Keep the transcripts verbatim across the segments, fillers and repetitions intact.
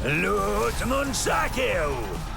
Лють нунчаків!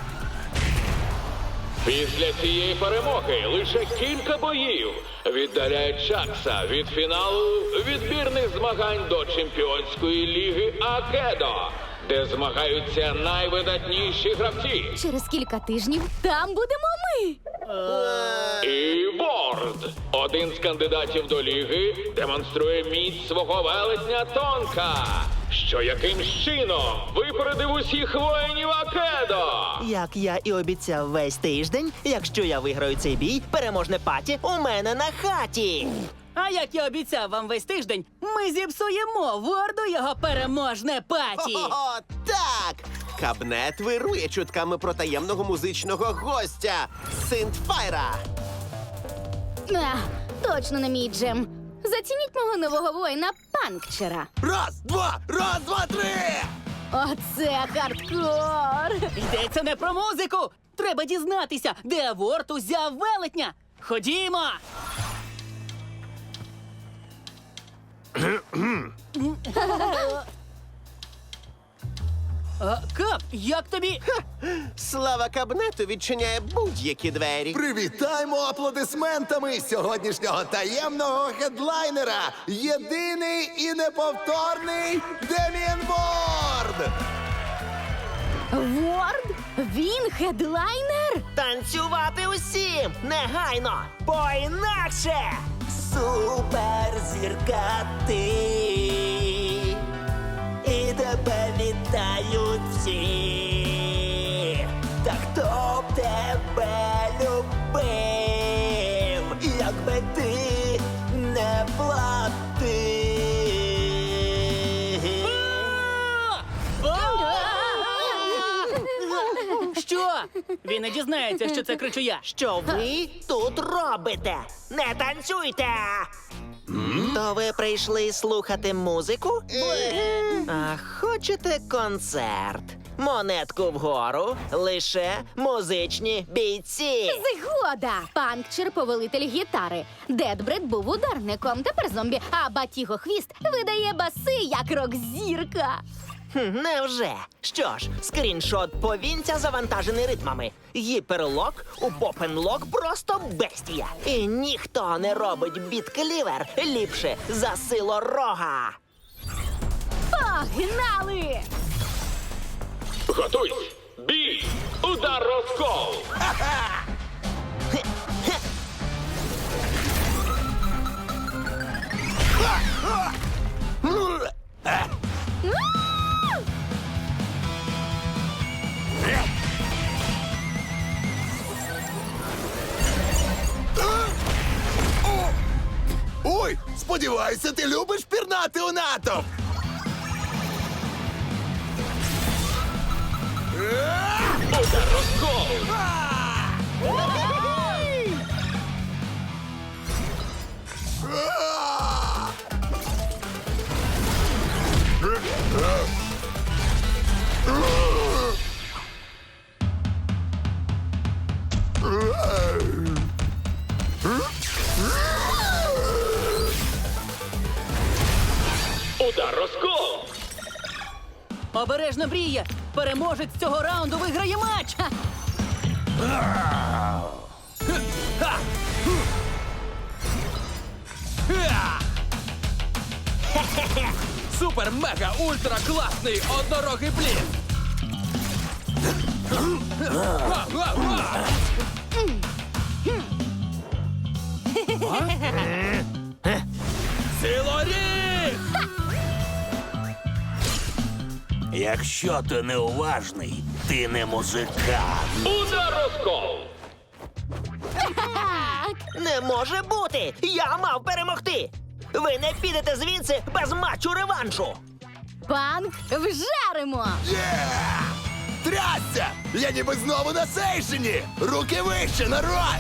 Після цієї перемоги лише кілька боїв віддаляють Чакса від фіналу відбірних змагань до Чемпіонської ліги Акедо, де змагаються найвидатніші гравці. Через кілька тижнів там будемо ми. І Ворд, один з кандидатів до ліги, демонструє міць свого велетня Тонка, що якимсь чином випередив усіх воїнів Акедо. Як я і обіцяв весь тиждень, якщо я виграю цей бій, переможне паті у мене на хаті. А як я обіцяв вам весь тиждень, ми зіпсуємо Ворду його переможне паті. О, так! Кабнет вирує чутками про таємного музичного гостя Синтфайра. А, точно не мій джем. Зацініть мого нового воїна Панкчера. Раз, два, раз, два, три! Оце хардкор! Йдеться не про музику. Треба дізнатися, де Ворд узяв велетня. Ходімо! А, Кап, як тобі? Слава кабнету відчиняє будь-які двері. Привітаймо аплодисментами сьогоднішнього таємного хедлайнера! Єдиний і неповторний Деміан Ворд! Ворд? Він хедлайнер? Танцювати усім! Негайно! Бо інакше! Суперзірка ти! І тебе вітають всі! Та хто б тебе любив, якби ти не платив? Що? Він не дізнається, що це кричу я. Що ви тут робите? Не танцюйте! То ви прийшли слухати музику? А хочете концерт? Монетку вгору, лише музичні бійці. Згода! Панкчер – повелитель гітари. Дедбред був ударником, тепер зомбі, а Батіго Хвіст видає баси, як рок-зірка. Хм, невже? Що ж, скріншот повінця завантажений ритмами. Гіперлок у попенлок просто бестія. І ніхто не робить біт-клівер ліпше за сило рога. Погнали! Готуйсь! Бій! Удар розкол! Ой, сподіваюся, ти любиш пірнати у натовп! Удар розкол! Удар розкол! Обережно, Брія! Переможець цього раунду виграє матч! Супер, мега, ультра класний однорогий блін! Силоріг! Якщо ти неуважний, ти не музикант. Удар розкол! Не може бути! Я мав перемогти! Ви не підете звідси без матчу реваншу! Панк вжаримо! Є! Трясся! Я ніби знову на сейшені! Руки вище, народ!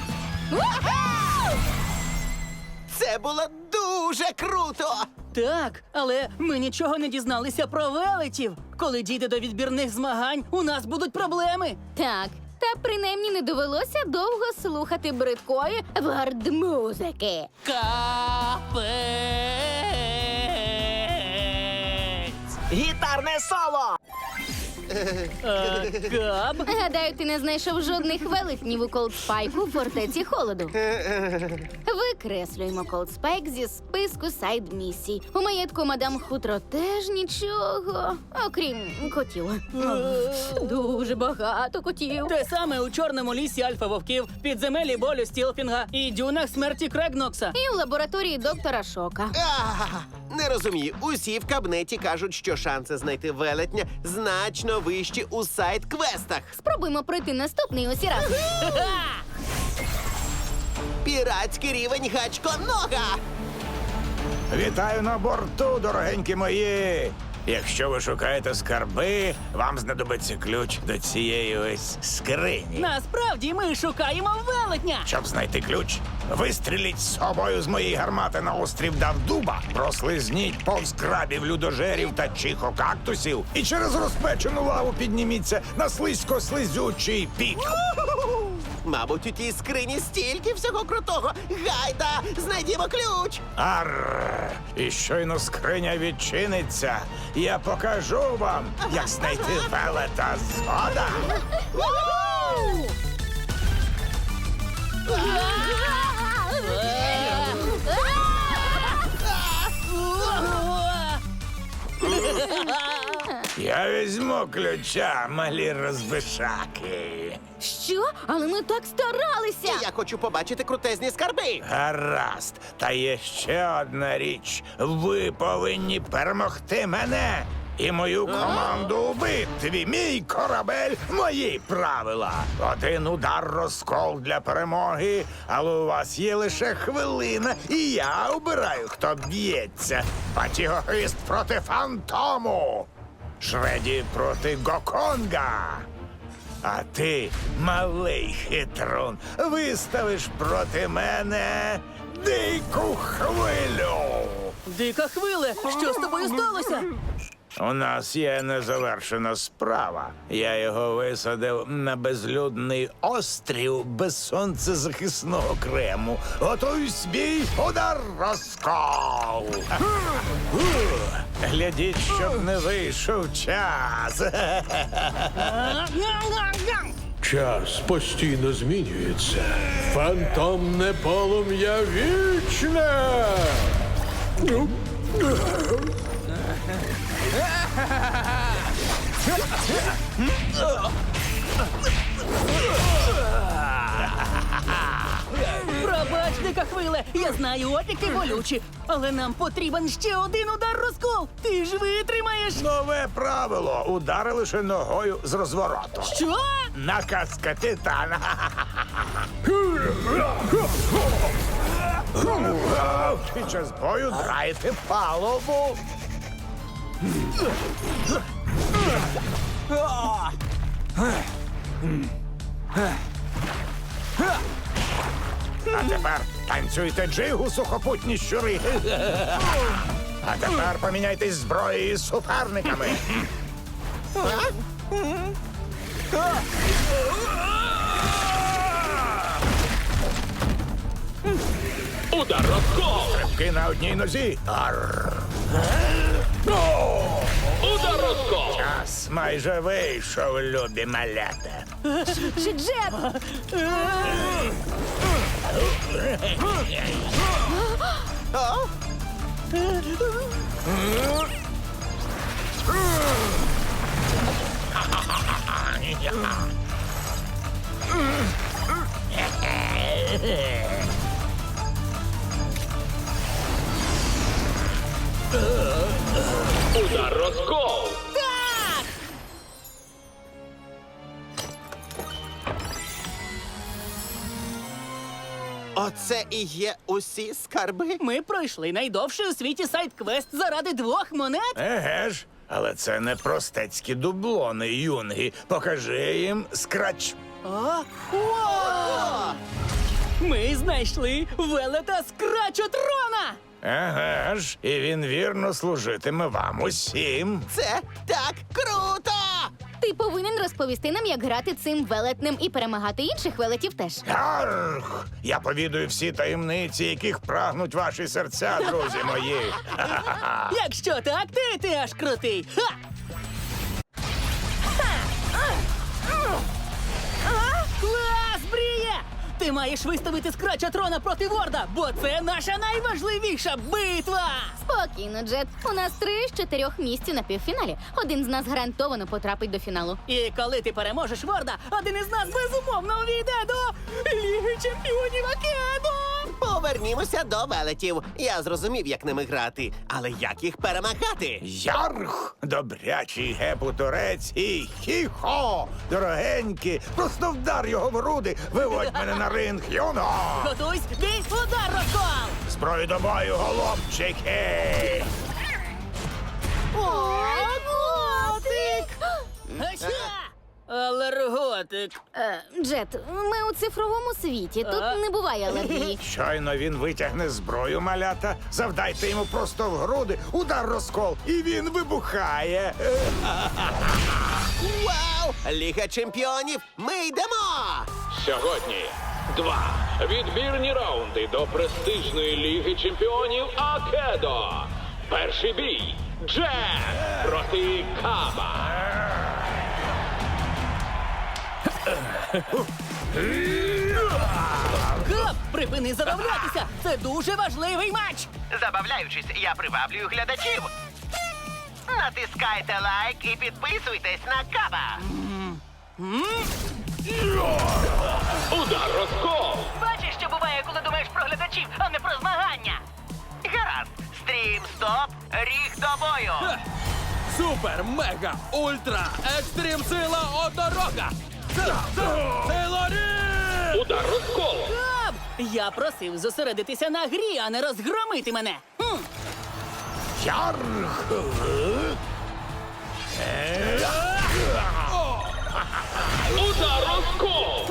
Це було дуже круто! Так, але ми нічого не дізналися про велетів. Коли дійде до відбірних змагань, у нас будуть проблеми. Так, та принаймні не довелося довго слухати бридкої вард-музики. Капець! Гітарне соло! Е, Каб? Гадаю, ти не знайшов жодних велетнів у Колдспайку у фортеці холоду. Викреслюємо Колдспайк зі списку сайд-місій. У маєтку мадам Хутро теж нічого, окрім котів. Дуже багато котів. Те саме у чорному лісі альфа-вовків, підземелі болю Стілфінга і дюнах смерті Крегнокса. І в лабораторії доктора Шока. Ах, не розумію. Усі в кабнеті кажуть, що шанси знайти велетня значно вищі у сайт-квестах. Спробуємо пройти наступний усі разом. Піратський рівень гачко-нога! Вітаю на борту, дорогенькі мої! Якщо ви шукаєте скарби, вам знадобиться ключ до цієї ось скрині. Насправді ми шукаємо велетня. Щоб знайти ключ, вистріліть з собою з моєї гармати на острів Давдуба, прослизніть повз крабів, людожерів та чихокактусів і через розпечену лаву підніміться на слизько-слизючий пік. Мабуть, у тій скрині стільки всього крутого. Гайда, знайдімо ключ! Арр! І щойно скриня відчиниться, я покажу вам, як знайти велета згода. Я візьму ключа, малі розбишаки. Що? Але ми так старалися! Я хочу побачити крутезні скарби. Гаразд, та є ще одна річ. Ви повинні перемогти мене і мою команду у битві. Мій корабель, мої правила. Один удар розкол для перемоги, але у вас є лише хвилина, і я обираю, хто б'ється. Батігохвіст проти Фантому. Шреді проти Гоконга. А ти, малий хитрун, виставиш проти мене дику хвилю. Дика хвиле, що з тобою сталося? У нас є незавершена справа. Я його висадив на безлюдний острів без сонцезахисного крему. Готуй свій удар розкол. Глядіть, щоб не вийшов час. Час постійно змінюється. Фантомне полум'я вічне. Пробач, дика хвиле, я знаю, опіки болючі, але нам потрібен ще один удар розкол. Ти ж витримаєш. Нове правило. Удари лише ногою з розвороту. Що? Наказка Титана. Під час бою драйте палубу. А тепер танцюйте джигу, сухопутні щури. А тепер поміняйтесь зброєю з суперниками. Удар розкол! Стрибки на одній нозі. Арр. Удар розкол! Час майже вийшов, любі малята. Чи Джет? Удар розкол! Оце і є усі скарби. Ми пройшли найдовший у світі сайт-квест заради двох монет. Еге ж, але це не простецькі дублони, юнги. Покажи їм скрач. А? О! Ми знайшли велета Скрачотрона! Еге ж, і він вірно служитиме вам усім. Це так круто! Ти повинен розповісти нам, як грати цим велетнем і перемагати інших велетів теж. Гарх! Я повідую всі таємниці, яких прагнуть ваші серця, друзі мої. Ха-ха-ха. Якщо так, ти, ти аж крутий. Ха! Ти маєш виставити скрача трона проти Ворда, бо це наша найважливіша битва! Спокійно, Джет. У нас три з чотирьох місць на півфіналі. Один з нас гарантовано потрапить до фіналу. І коли ти переможеш Ворда, один із нас безумовно увійде до Ліги Чемпіонів Акедо! Повернімося до велетів. Я зрозумів, як ними грати, але як їх перемагати? Ярх, добрячий гепу-турець і хі-хо, дорогенькі, просто вдар його в груди, виводь мене на ринг, юно! Готуйсь, бій, удар, розкол! Зброю до бою, голубчики! Ой, котик! Ача! Алерготик. Е, Джет, ми у цифровому світі. Тут А? не буває алергії. Щойно він витягне зброю, малята, завдайте йому просто в груди, удар розкол, і він вибухає. Вау! Ліга чемпіонів! Ми йдемо! Сьогодні два відбірні раунди до престижної Ліги Чемпіонів Акедо. Перший бій Джет проти Каба. Кап, припини забавлятися! Це дуже важливий матч! Забавляючись, я приваблюю глядачів. Натискайте лайк і підписуйтесь на Каба. Удар розкол. Бачиш, що буває, коли думаєш про глядачів, а не про змагання! Гаразд. Стрім, стоп, ріг до бою. Супер, мега, ультра, екстрім сила однорога! Сила, сила, сила рі! Удар розкол. Кап! Я просив зосередитися на грі, а не розгромити мене! Хм. Ярх! Удар розкол.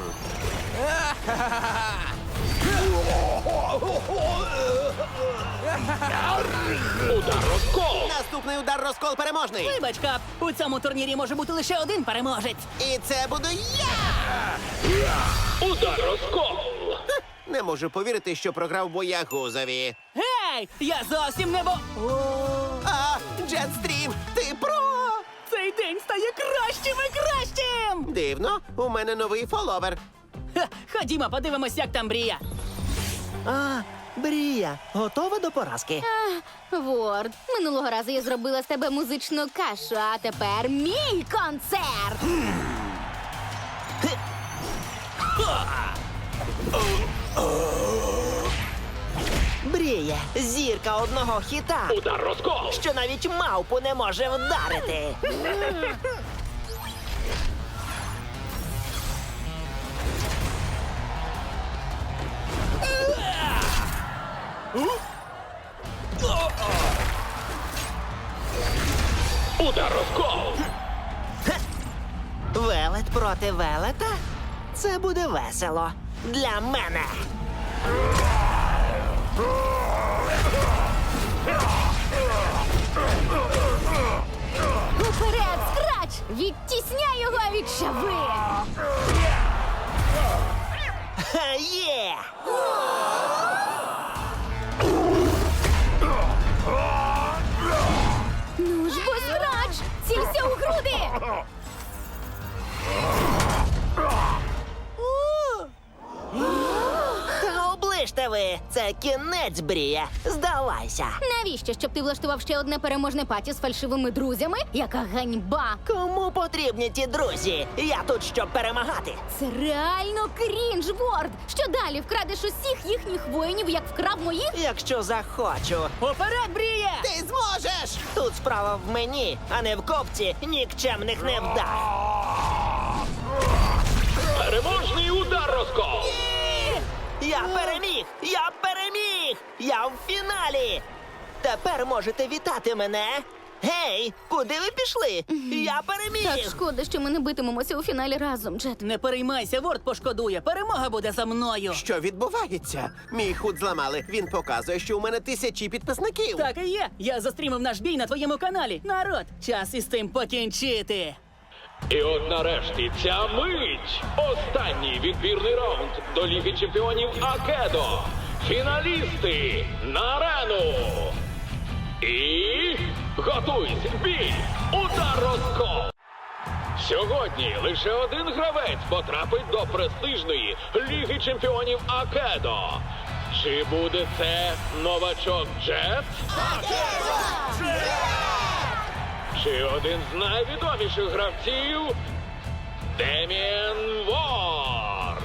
Удар розкол. Наступний удар розкол переможний. Вибач, Кап, у цьому турнірі може бути лише один переможець. І це буду я! Удар розкол. Не можу повірити, що програв боягузові. Гей! Я зовсім не бо... О, А, Джетстрім, ти про! цей день стає кращим і кращим! Дивно, у мене новий фоловер. Ха, ходімо, подивимось, як там Брія. А, Брія, готова до поразки? Ворд, минулого разу я зробила з тебе музичну кашу, а тепер мій концерт! Брія, зірка одного хіта, Удар розкол. що навіть мавпу не може вдарити. Удар розкол. Велет проти велета? Це буде весело. Для мене. Уперед, скрач! Відтісняй його від шави! Ха, є! Ну ж бо, скрач! Цілься у груди! Та оближте ви! Це кінець, Брія. Здавайся. Навіщо, щоб ти влаштував ще одне переможне паті з фальшивими друзями? Яка ганьба! Кому потрібні ті друзі? Я тут, щоб перемагати. Це реально крінж, Ворд! Що далі, вкрадеш усіх їхніх воїнів, як вкрав моїх? Якщо захочу. Уперед, Брія! Ти зможеш! Тут справа в мені, а не в копці нікчемних невдах. Переможний удар розкол. Я переміг! Я переміг! Я в фіналі! Тепер можете вітати мене. Гей, куди ви пішли? Я переміг! Так шкода, що ми не битимемося у фіналі разом, Джет. Не переймайся, Ворд пошкодує. Перемога буде за мною. Що відбувається? Мій худ зламали. Він показує, що у мене тисячі підписників. Так і є. Я застрімив наш бій на твоєму каналі. Народ, час із цим покінчити. І от нарешті ця мить. Останній відбірний раунд до Ліги Чемпіонів Акедо. Фіналісти на арену. І готуйся, бій, удар розкол. Сьогодні лише один гравець потрапить до престижної Ліги Чемпіонів Акедо. Чи буде це новачок Джет? Чи один з найвідоміших гравців Деміен Ворд?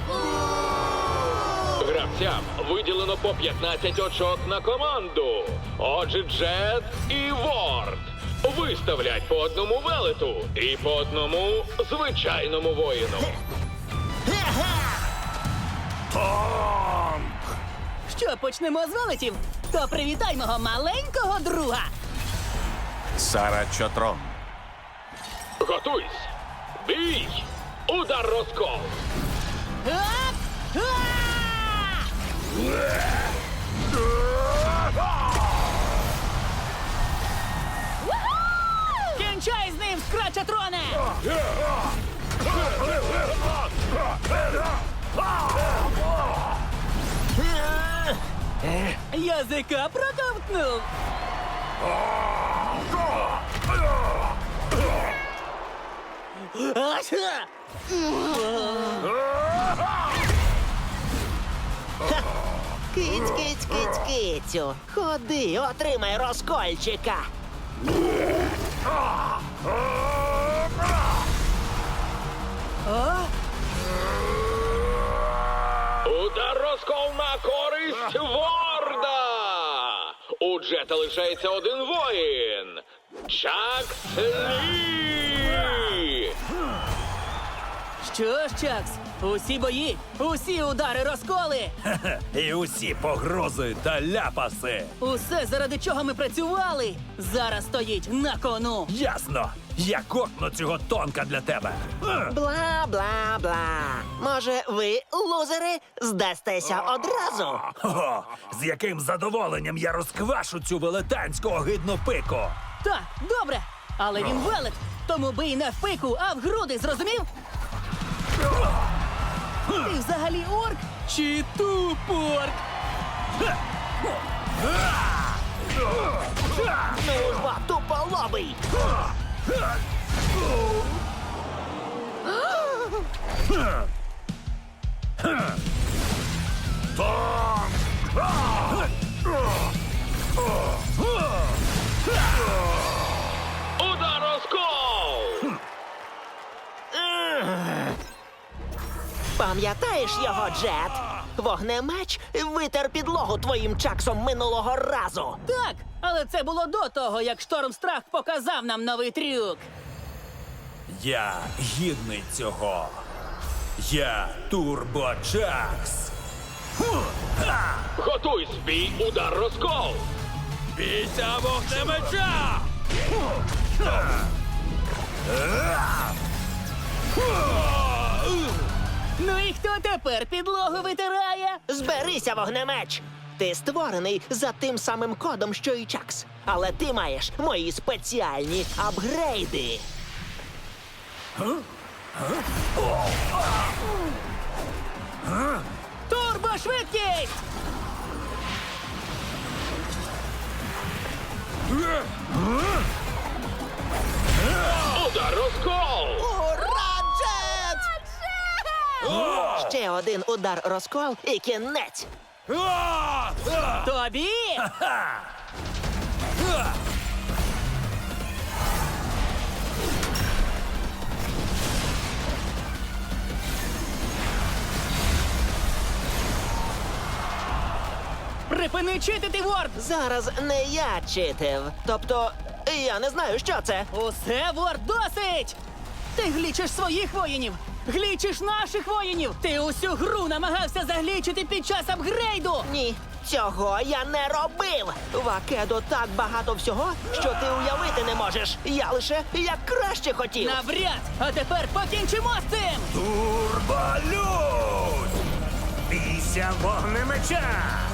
Гравцям виділено по п'ятнадцять очок на команду. Отже, Джет і Ворд виставлять по одному велету і по одному звичайному воїну. Що, почнемо з велетів? То привітай мого маленького друга. Сара Чотрон. Готуйсь! Бій! Удар розкол! Ап! Кінчай з ним, Скрачатроне! Язика проковтнув! Ася! Киць, киць, киць, кицю. Ходи, отримай розкольчика. Удар розкол на користь Ворда! У Джета лишається один воїн. Чакс Лі! Що ж, Чакс, усі бої, усі удари розколи. І усі погрози та ляпаси. Усе, заради чого ми працювали, зараз стоїть на кону. Ясно. Я кокну цього тонка для тебе. Бла-бла-бла. Може, ви, лузери, здастеся одразу? Хо-хо, з яким задоволенням я розквашу цю велетенську огидну пику. Так, добре, але він велет, тому бий не в пику, а в груди, зрозумів? Ти взагалі орк чи тупорк? Ну ж бо, туполобий! Удар розкол! Пам'ятаєш його, Джет? Вогнемеч витер підлогу твоїм чаксом минулого разу. Так, але це було до того, як Штормстрах показав нам новий трюк. Я гідний цього. Я Турбочакс. Готуйсь, бій, удар розкол! Бійся вогнемеча! Ну і хто тепер підлогу витирає? Зберися, вогнемеч! Ти створений за тим самим кодом, що і Чакс. Але ти маєш мої спеціальні апгрейди. Турбошвидкість! Удар розкол! Ура, Джет! Ще один удар розкол і кінець. Тобі! Припини читити, Ворд! Зараз не я читив. Тобто, я не знаю, що це. Усе, Ворд, досить! Ти глічиш своїх воїнів! Глічиш наших воїнів! Ти усю гру намагався заглічити під час апгрейду! Ні, цього я не робив. В Акедо так багато всього, що ти уявити не можеш. Я лише як краще хотів. Навряд! А тепер покінчимо з цим! Турболюд! Бійся вогнемеча!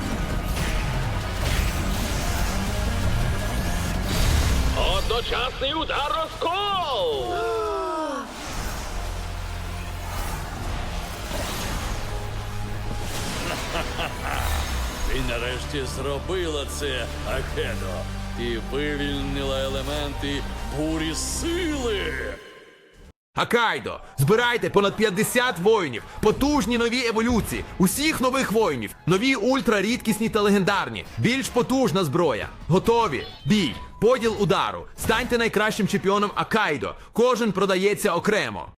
Одночасний удар розкол! Ти нарешті зробила це, Акедо. Ти вивільнила елементи бурі сили. Акайдо, збирайте понад п'ятдесят воїнів, потужні нові еволюції, усіх нових воїнів, нові ультрарідкісні та легендарні, більш потужна зброя. Готові? Бій, поділ удару. Станьте найкращим чемпіоном Акайдо. Кожен продається окремо.